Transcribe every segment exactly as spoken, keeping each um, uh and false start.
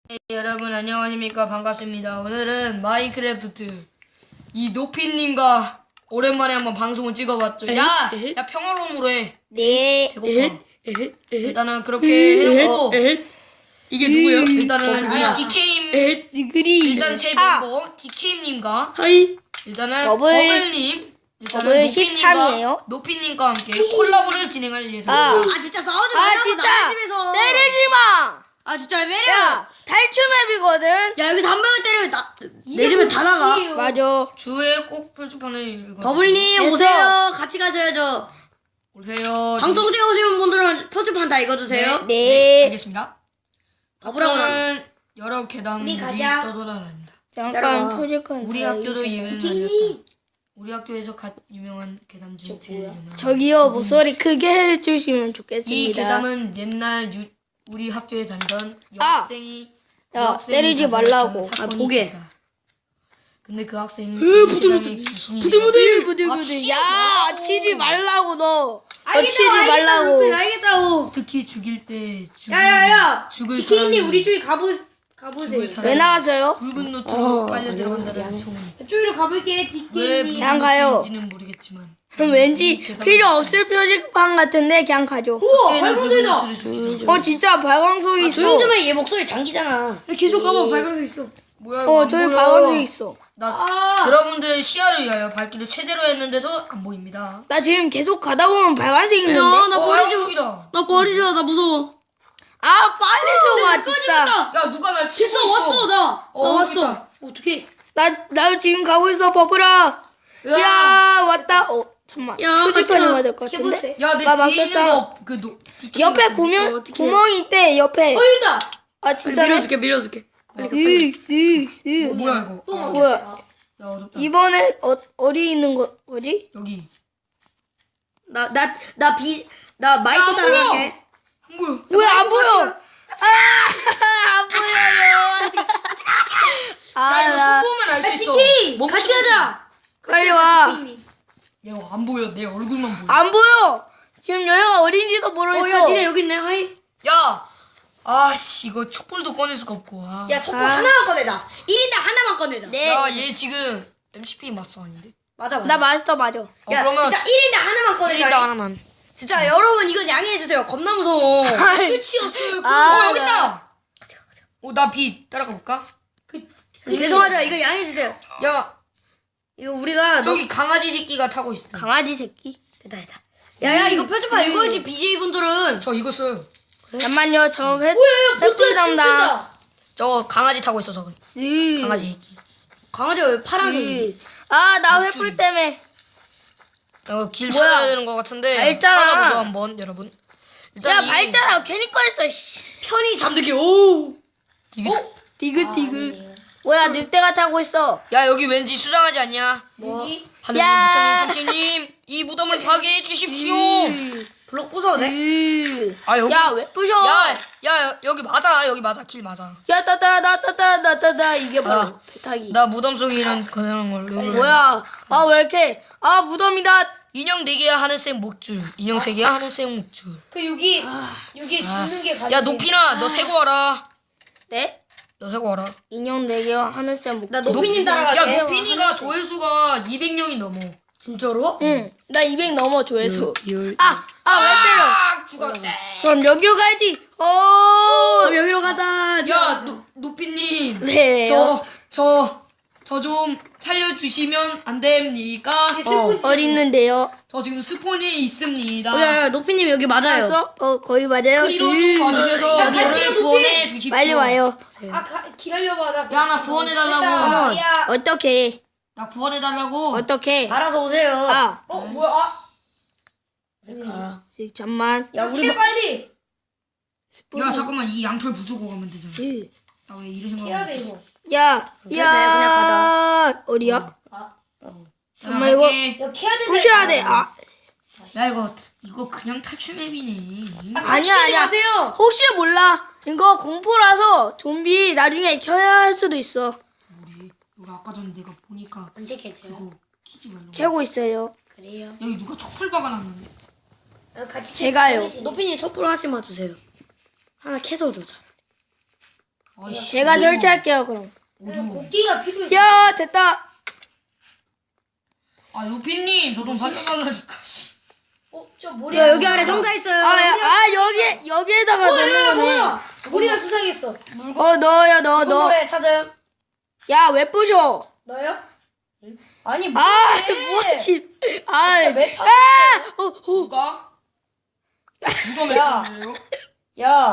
네, 여러분 안녕하십니까. 반갑습니다. 오늘은 마인크래프트 이 노피님과 오랜만에 한번 방송을 찍어봤죠. 에헤, 야! 에헤. 야 평화로움으로 해. 네. 배고파. 에헷, 에헷, 에헷, 일단은 그렇게 해놓고 에헷. 이게 누구요? 일단은 이 아. 디케임 에헷. 스그리. 일단 제 아, 멤버 디케임님과 하이. 일단은 버블. 버블님 일단은 버블 노피님과 십삼이에요. 노피님과 함께 콜라보를 진행할 예정입니다. 아. 아 진짜 싸우지 아 말라고 진짜 남의 집에서. 때리지 마. 아 진짜 내려. 야 탈출 맵이거든. 야 여기서 한 명을 때리면 나 내 집에 다 나가. 맞아. 주에 꼭 표지판을 읽어. 버블님 됐어. 오세요. 같이 가셔야죠. 오세요. 방송 찍어오시는 분들은 표지판 다 읽어주세요. 네. 알겠습니다. 버블하고 나. 저는 여러 괴담들이 가자. 떠돌아다닌다. 잠깐 기다려봐. 표지판. 우리 다 학교도 읽으셔. 예외는 아니었다. 우리 학교에서 갓 유명한 괴담 중 제일 유명한. 저기요 목소리 크게 해주시면 좋겠습니다. 이 괴담은 옛날 유, 우리 학교에 다니던 아! 여학생이 야, 여학생이 때리지 자살했던 말라고. 사건이 아, 보게. 있었다. 근데 그 학생이 부들부들. 귀신이 부들부들. 부들부들. 아, 치지 야 말라고. 치지 말라고 너. 너 치지 말라고. 알겠다고. 특히 죽일 때 죽을, 야야야. 죽을 사람이 디케이님 우리 쪽에 가보 가보세요. 죽을 사람이 왜 나왔어요? 붉은 노트로 어, 빨려 미안해, 들어간다는 미안해. 소문. 이쪽으로 가볼게. 왜 디케이님. 그냥 가요. 붉은지는 모르겠지만 그럼 왠지 필요 없을 표지판 같은데 그냥 가죠. 우와 학교에는 발광소리다. 붉은 노트를 죽이자. 어 진짜 발광석이 있어. 조용 좀 해. 얘 목소리 장기잖아. 야, 계속 가봐. 발광소 있어. 뭐야 이거 어 안 저기 보여. 발광석이 있어. 나 아. 여러분들의 시야를 위하여 밝기를 최대로 했는데도 안 보입니다. 나 지금 계속 가다 보면 발광색 있는데. 야, 나 어, 버리지 마. 양쪽이다. 나 버리지 마. 나 무서워. 아 빨리 좀 와 진짜. 꺼지겠다. 야 누가 날 치고 됐어 있어. 왔어 나. 어, 나 왔어. 그러니까. 어떻게? 나 나 지금 가고 있어 버블아. 으아. 야 왔다. 어 잠만. 야, 같이 표지판이 가. 와야 될 것 같은데. 해보세요. 야내 나 뒤에 있는 막혔다. 거그 옆에 구멍 어떡해. 구멍이 있대 옆에. 어 있다. 아 빨리 진짜. 밀어줄게. 밀어줄게. 빨리 가. 빨리. 쓱쓱쓱. 뭐야 이거? 또 아, 뭐야? 야 어렵다. 이번에 어 어디 있는 거 거지? 여기 나 나 나 비 나 야, 마이크 안 보여. 따라갈게. 안 보여. 왜 안 보여? 아안 보여요. 야 이거 아, 손 보면 알 수 있어. 디케이 멈추는 같이 하자. 빨리 와. 디케이님. 야 이거 안 보여. 내 얼굴만 보여. 안 보여. 지금 여기가 어딘지도 어, 모르겠어. 야, 니네 여기 있네. 하이. 야, 아씨 이거 촛불도 꺼낼 수가 없고. 아. 야, 촛불 아. 하나만 꺼내자. 일 인당 하나만 꺼내자. 네. 야, 얘 지금 엠씨피 마스터 아닌데? 맞아, 맞아. 나 마스터 맞아. 어, 야, 그러면 진짜 일 인당 하나만 꺼내자. 일단 하나만. 진짜 여러분 이건 양해해주세요. 겁나 무서워. 끝이었어요. 아, 어, 여기 나- 있다. 어, 나 빛 따라가 볼까? 죄송하지만 이거 양해해주세요. 야, 이거 우리가 저기 강아지 새끼가 타고 있어. 강아지 새끼. 됐다, 됐다. 야야 이거 표지판 읽어야지. 비제이 분들은. 저 이거 써요. 잠만요. 저 회, 뭐야 횃불 보트 담당. 진짜. 저 강아지 타고 있어 저거. 쓱. 강아지 새끼. 강아지가 왜 파란색이지? 아, 나 목줄이. 횃불 때문에. 어, 길 뭐야? 찾아야 되는 것 같은데. 밟잖아. 찾아보죠 한번 여러분. 일단 야, 이 발자라 괜히 꺼냈어. 씨. 편히 잠들기. 오. 디귿. 디귿디귿. 뭐야, 늑대가 타고 있어. 야 여기 왠지 수상하지 않냐? 뭐? 하늘님, 야. 부처님, 삼신님 이 무덤을 파괴해 주십시오. 블록 부숴도 돼? 으. 아 여기. 야, 왜 부셔? 야, 야 여기 맞아. 여기 맞아. 길 맞아. 야, 따따라, 따따라, 따따라. 이게 바로 아. 배타기. 나 무덤 속에 이런 그런 걸. 여기. 뭐야? 아, 왜 이렇게? 아, 무덤이다. 인형 네 개야 하늘색 목줄. 인형 세 개야 하늘색 목줄. 그 여기 아. 여기 짓는 게 가장. 야 노피나 너 세고 와라. 네? 너 세고 와라. 인형 네 개와 하늘색 목. 나 노피님 따라갈게. 야 노피니가 조회수가 이백 명이 넘어. 진짜로? 응. 나 이백 넘어 조회수. 열. 아, 아, 왜 때려? 아 죽었네. 그럼 여기로 가야지. 어. 그럼 여기로 가자. 야 노, 노피님. 왜? 저 저 저 좀 살려주시면 안 됩니까? 어, 어디 있는데요? 저 지금 스폰이 있습니다. 어, 야, 야, 노피님 여기 맞아요. 알았어? 어, 거의 맞아요. 크리로 좀 으. 와주셔서 야, 같이 저를 노피. 구원해 주십시오. 빨리 와요. 아 가, 기다려봐 나. 야, 나 구원해달라고. 야. 어떻게? 나 구원해 달라고. 어떻게? 알아서 오세요. 아, 어 뭐야? 아, 가. 쓱, 잠만. 야, 우리 캐 빨리. 야 잠깐만 이 양털 부수고 가면 되잖아. 쓱. 나 왜 이런 생각? 해야 돼 이거. 야, 그냥 야, 어디야? 아. 잠깐만, 이거 야 캐야 돼. 부셔야 돼. 아, 야 이거 이거 그냥 탈출 맵이네. 아니야, 아니야. 마세요. 혹시 몰라. 이거 공포라서 좀비 나중에 켜야 할 수도 있어. 우리 우리 아까 전에 내가 보니까 언제 캐세요? 이거 키지 말라고. 캐고 있어요. 그래요. 여기 누가 촛불 박아놨는데? 어, 같이 제가요. 캐- 노피님 촛불 하나씩만 주세요. 하나 캐서 주자. 아이씨, 제가 오징어. 설치할게요 그럼. 오징어. 곡기가 필요해. 야 됐다. 아 루피님 저 좀 살려달라니까. 씨. 어, 저 머리. 야 여기 아래 상자 있어요. 아, 야, 아 여기 여기에다가 어, 야, 넣는 야, 거네. 뭐야? 머리가 수상했어. 어 넣어요 넣어 넣어. 노래 찾음. 야 왜 부셔? 너요? 아니 아 뭐해? 뭐지? 아, 왜 아, 어, 어. 누가? 누가 야. 맺었는데요? 야.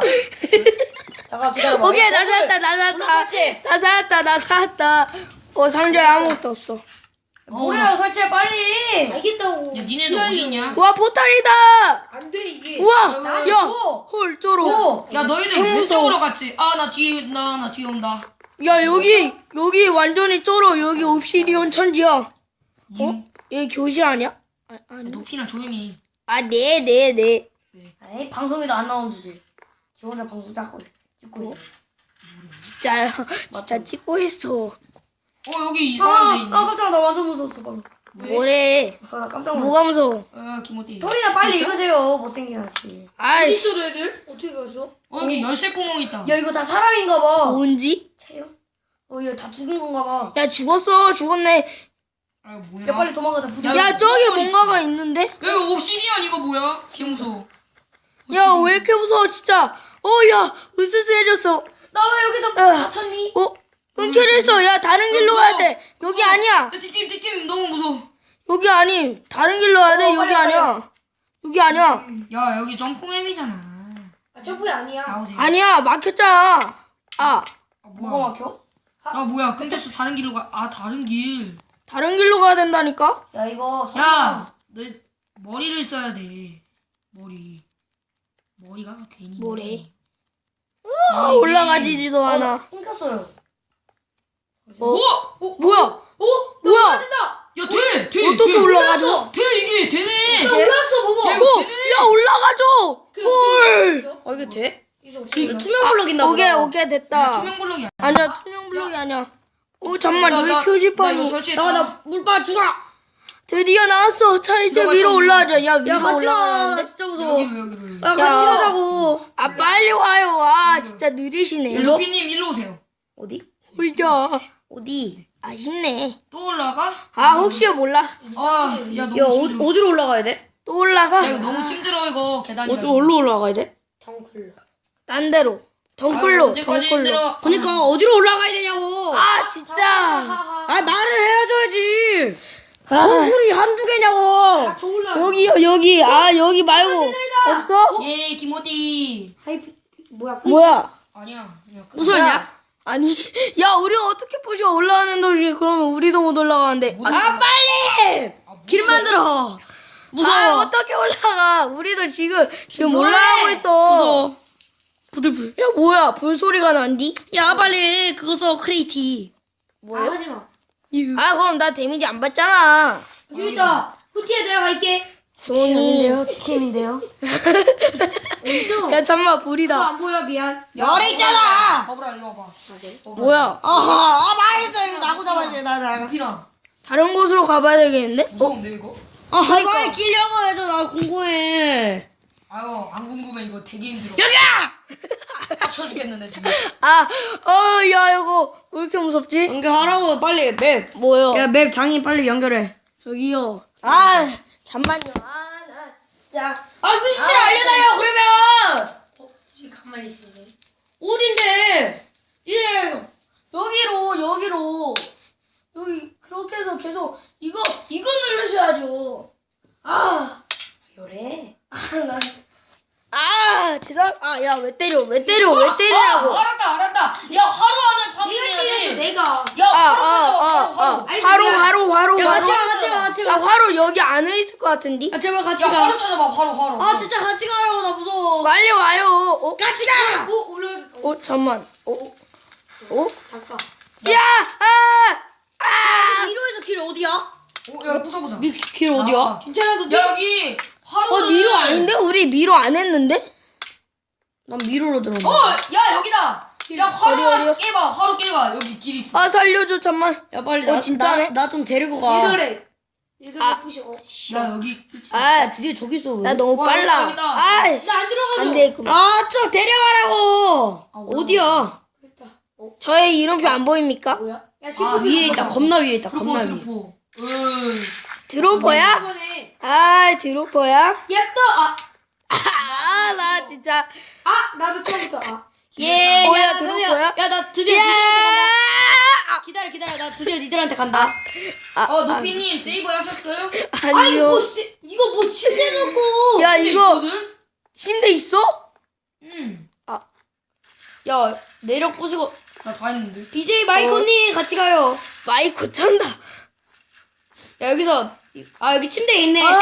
잠깐 기다려봐. 오케이 나 오늘 살았다 나 살았다 설치. 나 살았다 나 살았다. 어 상자에 아무것도 없어. 어, 모래로 설치해 빨리. 알겠다고. 야 니네도 어딨냐? 와 포탈이다. 안돼 이게. 우와 나도 야 줘. 헐 쩔어. 줘. 야 너희들 핵무서워. 왼쪽으로 갔지? 아 나 뒤에 나 나 뒤에 온다. 야 여기 여기 완전히 쩔어. 여기 옵시디온 천지야. 어? 님, 여기 교실 아니야? 아, 아니. 높이나 조용히. 아, 네, 네, 네. 에이 방송에도 안 나온 주제. 저 혼자 방송 닦고 찍고 있어. 진짜요. 진짜 찍고 있어. 어 여기 아, 이상한 데 아 있네. 깜짝 나 완전 무서웠어 방금. 뭐래? 아, 나 깜짝 놀랐어. 뭐가 무서워? 아 김호띠. 소리나 빨리 읽으세요. 못생긴 아저씨. 아이, 어디 있어 너희들? 어떻게 갔어? 어 여기 열쇠 구멍 있다. 야 이거 다 사람인가 봐. 뭔지? 채요? 어 이거 다 죽은 건가 봐. 야, 죽었어. 죽었네. 아 뭐야? 야 빨리 도망가자. 부디. 야, 야, 저기 무서워, 뭔가가 있는데? 여기 옵시디언 이거 뭐야? 개 무서워. 야, 왜 이렇게 무서워, 진짜. 어, 야, 으스스해졌어. 나 왜 여기서 아. 갇혔니? 어? 끊기려 했어. 야, 다른 길로 가야 돼. 여기 아니야. 야 뒷팀 뒷팀 너무 무서워. 여기 아니. 다른 길로 가야 돼. 어, 여기 빨리, 아니야. 여기 아니야. 야 여기 점프맵이잖아. 아 점프이 아니야. 나오세요. 아니야, 막혔잖아. 아, 아 뭐가 뭐야? 막혀? 아 뭐야? 끊겼어. 다른 길로 가. 아 다른 길. 다른 길로 가야 된다니까? 야 이거. 야, 내 머리를 써야 돼. 머리. 머리가 괜히. 뭐래? 아, 아, 올라가지지도 않아. 어, 끊겼어요. 어? 어? 뭐야? 어? 뭐야? 올라간다. 야 돼! 돼! 어떻게 돼! 올라가죠? 돼! 이게 되네! 나 올랐어 봐봐. 야, 이거 어, 되네! 야, 올라가죠! 헐! 어 이게 돼? 이거 이거 투명 블럭인가 보다. 오케이, 오케이, 됐다. 투명 블록이야. 아니야, 투명 블록이 아니야. 오, 잠만, 나, 너희 나, 나 이거 표지판이. 설치했다. 나가 나 물빠 죽어. 드디어 나왔어. 자, 이제 들어가자, 위로 위로. 올라가자. 야, 위로 야 같이 가. 올라가는데. 나 진짜 무서워. 여기로 여기로. 야 같이 가자고. 아, 빨리 와요. 아, 진짜 느리시네. 야, 루피님 일로 오세요. 어디? 홀자. 어디? 아쉽네. 또 올라가? 아, 혹시 몰라. 아, 야 너무 야 어, 힘들어. 어디로 올라가야 돼? 또 올라가. 야 이거 너무 힘들어 이거 계단이. 어디 어디로 올라가야 돼? 덩클. 딴 데로. 덩클로, 언제까지 덩클로. 힘들어? 그러니까 어디로 올라가야 되냐고. 아, 진짜. 아 말을 해야지. 아, 건물이 한두 개냐고. 저 올라. 여기요, 여기. 아, 여기 말고. 없어? 예, 김호띠. 하이피 뭐야? 뭐야? 아니야. 그냥 끝. 무서웠냐? 아니, 야, 우리가 어떻게 부셔 올라가는 도중에 그러면 우리도 못 올라가는데. 못 아 올라가. 빨리. 아, 못 길 올라가. 만들어. 아, 무서워. 어떻게 올라가? 우리도 지금 지금 뭐해? 올라가고 있어. 무서워. 부들부들. 야, 뭐야? 불소리가 난디? 야 빨리 그거 써 크레이티. 아, 하지 마. 아, 그럼 나 데미지 안 받잖아. 여기 있다. 후티에 내가 갈게. 종이. 티켓인데요. 어디서? 야, 잠만 그거 불이다. 안 보여 미안. 열에 있잖아. 버블아 일로 와봐. 뭐야? 아하 아 말했어 이거 나고 잡아야지 나나. 루피나. 다른 곳으로 가봐야 되겠는데? 무서운데 이거? 아 빨리 끼려고 해줘 나 궁금해. 아유 안 궁금해 이거 되게 힘들어. 여기야. 빡쳐 죽겠는데 지금. 아, 어, 야, 이거 왜 이렇게 무섭지? 연결하라고 빨리 맵. 뭐요? 야 맵 장인 빨리 연결해. 저기요. 아, 잠만요. 아, 나. 자, 아 위치를 알려달라고 그러면. 혹시 가만히 있으세요? 어딘데? 이제 여기로, 여기로. 여기, 그렇게 해서 계속, 이거, 이거 누르셔야죠. 아, 열에. 아, 나. 아, 죄송, 아, 야, 왜 때려, 왜 때려, 왜 때리냐고. 아, 알았다 알았다. 야 하루 안에 내가 파밍해야 때렸어 돼. 내가. 야 아, 하루 아, 찾아와. 아, 하루 하루. 아. 아이, 화로, 미안. 화로, 화로, 야 화로. 같이 가 같이 가 같이 야, 가. 화로 여기 안에 있을 것 같은데? 아 제발 같이 야 가. 하루 찾아봐 하루 하루. 아 진짜 같이 가라고 나 무서워. 빨리 와요. 어, 같이 가. 어 올라. 어, 어, 잠만. 어, 어? 잠깐. 야, 아, 아. 미로에서 길 어디야? 오야 부숴보자. 미, 길 어디야? 괜찮아 너. 야 여기 하루. 어, 미로 아닌데? 우리 미로 안 했는데? 난 미로로 들어온다. 어야 여기다. 야 어디, 하루 어디요? 깨봐 하루 깨봐 여기 길 있어. 아, 살려줘, 잠만. 야 빨리 어, 나, 진짜네? 나 좀 데리고 가. 얘들아. 얘들아 아. 부셔. 어. 야 여기 끝이. 아, 야 드디어 저기 있어. 왜? 나 너무 와, 빨라. 여기다, 여기다. 아, 나안 들어가서. 안 되겠구나. 아좀 데려가라고. 아, 올라가. 어디야? 됐다. 저의 이름표 안 보입니까? 뭐야? 야 아, 신부 위에 있다. 겁나 위에 있다. 드로퍼 겁나 위에. 드로퍼. 으. 드로퍼야? 이번에 아 드로퍼야? 야또아 아 나 진짜 아, 나도 처음부터 아. 예. 뭐야, 야, 나 들어올 드디어. 거야? 야, 나 드디어 야! 니들한테 간다. 기다려, 기다려. 나 드디어 니들한테 간다. 아, 어 노피님 세이브 하셨어요? 아니요. 아이고 씨, 이거 뭐 침대 놓고. 야 근데 이거 있거든? 침대 있어? 응. 야, 내력 부수고. 나 다 했는데. 비제이 마이코님 같이 가요. 마이크 찬다. 야, 여기서. 아, 여기 침대에 있네. 아,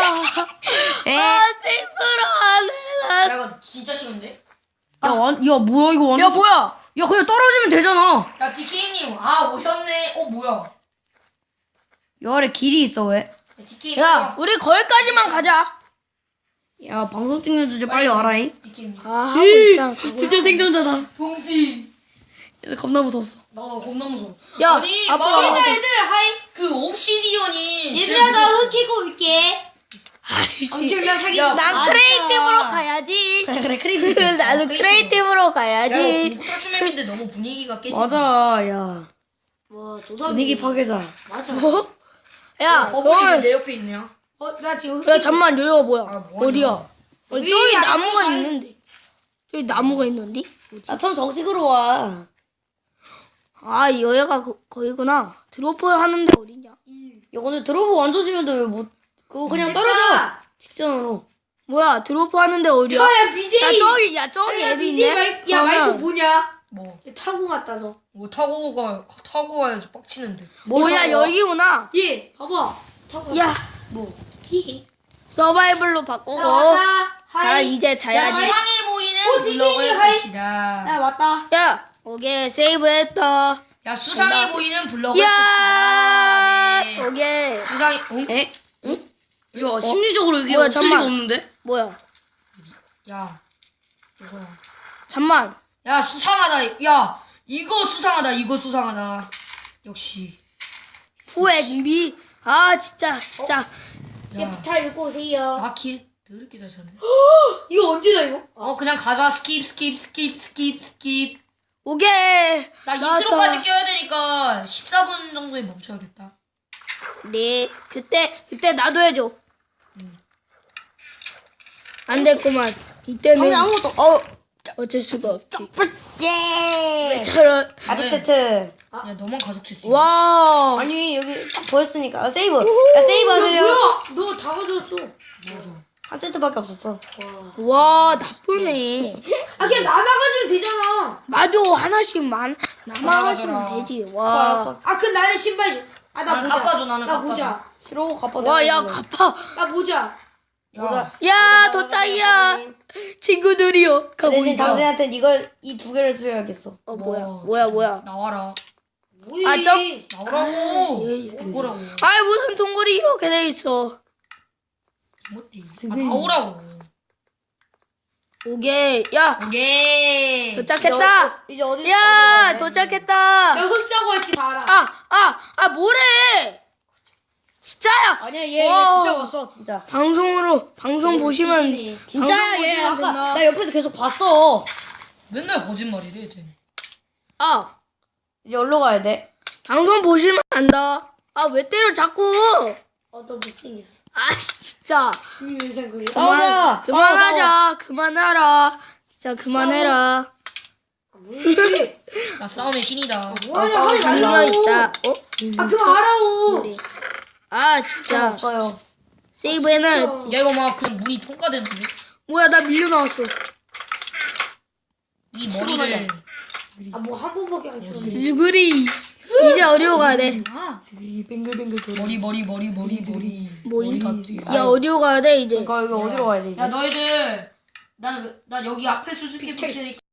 에? 아 세이브로 안 해. 야 이거 진짜 쉬운데? 야, 완, 야, 뭐야, 이거 완전. 야 뭐야? 야, 그냥 떨어지면 되잖아. 야 디케이님 아 오셨네. 어 뭐야? 여 아래 길이 있어, 왜? 디케이님. 야 우리 거기까지만 가자. 야, 방송 찍는 주제 빨리 와라잉. 디케이님. 아 하고 있잖아. 드디어 생존자다. 동지. 야, 겁나 무서웠어. 나도 겁나 무서워. 야, 아니 앞으로 맞아. 와봐. 애들 하이 그 옵시디언이 제일 얘들아 나 무서웠어. 흙 캐고 올게. 아이씨. 엄청난 사기. 야, 난 맞아. 크리에이티브로 가야지. 그래, 그래, 크리비. 나도 크리에이티브로 야 가야지. 이거 탈출맵인데 너무 분위기가 깨지. 맞아, 야. 와 도담이. 분위기 파괴자. 맞아. 뭐? 야, 버블이 왜 그러면 내 옆에 있냐? 어, 나 지금 흙 야 캐고 잠만 여기가 뭐야? 아, 뭐하냐. 어디야? 어, 위, 저기 아래, 나무가 아래. 있는데. 저기 나무가 있는데? 야, 처음 정식으로 와. 아 여기가 그, 거기구나. 드로퍼 하는데 어디냐? 야, 오늘 들어보고 앉아주면 돼, 왜 못. 그거 그냥 떨어져. 직선으로. 뭐야 드로퍼 하는데 어디야? 야야 비제이. 야 저기 야 저기 야 애도 비제이 있네. 마이, 야 그러면 마이크 뭐냐? 뭐? 얘 타고 갔다 너. 뭐 타고 가 타고 가야지 빡치는데. 뭐야 여기구나. 얘 봐봐. 타고. 야 뭐? 히히. 서바이벌로 바꾸고. 나 왔다. 자 하이. 이제 야 자야지. 시상해 보이는 어, 디케이님 블럭을 하이. 봅시다. 나 왔다. 야 오케이 세이브했다. 야 수상해 된다. 보이는 블럭을 야 봅시다. 네. 오케이. 수상해. 응? 에? 응? 야, 심리적으로 이게 뭐야, 없을 리가 잠만. 없는데? 뭐야? 야 이거야. 잠만. 야 수상하다. 야 이거 수상하다. 이거 수상하다. 역시. 후액미. 아 진짜 진짜. 얘 야 부타 읽고 오세요. 아킬 더럽게 잘 쳤네. 이거 언제다 이거? 어 그냥 가자. 스킵 스킵 스킵 스킵 스킵. 오케이. 나 나왔다. 인트로까지 껴야 되니까 십사 분 정도에 멈춰야겠다. 네 그때 그때 나도 해줘. 안 됐구만. 이때는 방금 아무것도, 어, 어쩔 수가 없지. 예! 저런. 가죽 네. 세트. 야 너만 가죽 채지. 와. 아니, 여기 딱 보였으니까. 아, 세이브. 야, 세이브 하세요. 뭐야? 너 다 가져왔어. 맞아. 한 세트밖에 없었어. 와 나쁘네. 아 그냥 나눠 가지면 되잖아. 맞아 하나씩만 남아가지면 가져라. 되지. 어, 와. 알았어. 아 그럼 나는 신발 좀. 아나 나는 모자. 갚아줘, 나는 나 갚아줘. 모자. 싫어, 갚아. 와야 갚아. 나 모자. 야, 야 도짜이야. 친구들이요. 가고 대신 있다. 당신한테 이걸, 이 두 개를 써야겠어. 어 뭐야 뭐. 뭐야 뭐야. 나와라. 뭐야? 아, 좀- 나오라고. 에이, 뭐라고. 아이 무슨 동굴이 이렇게 돼 있어. 못돼. 아 나오라고. 오케이. 야 오케이. 도착했다. 이제 어디, 야 어디 도착했다. 야흙 싸고 왔지 다 알아. 아 아 아 뭐래? 진짜야. 아니야, 얘, 얘 와. 진짜 왔어, 진짜. 방송으로 방송 보시면 시시네. 진짜야, 방송 얘 보시면 아까 된다. 나 옆에서 계속 봤어. 맨날 거짓말이래 쟤. 아 이제 어디로 가야 돼? 방송 보시면 안다. 아 왜 때려 자꾸? 어너 못생겼어. 아 진짜. 이 외상 그래. 싸우자. 그만하자. 그만하라. 진짜 그만해라. 뭐해? 나 싸움의 신이다. 뭐하냐 아, 하지 장르가 말라고. 있다. 어? 아 그만 하라고. 아 싸워. 진짜. 없어요. 세이브 해놔야지. 야 이거 막 그냥 문이 통과되는데. 뭐야 나 밀려 나왔어. 이 머리를. 아 뭐 한 번밖에 안 추는데. 유그리. 이제 어디로 가야 돼? 뱅글뱅글 돌아. 머리 머리 머리 머리 머리. 뭐이? 머리 같아. 야 어디로 가야 돼 이제? 그러니까 여기 어디로 가야 되지? 야 너희들. 난, 난 여기 앞에 수수께끼 테니까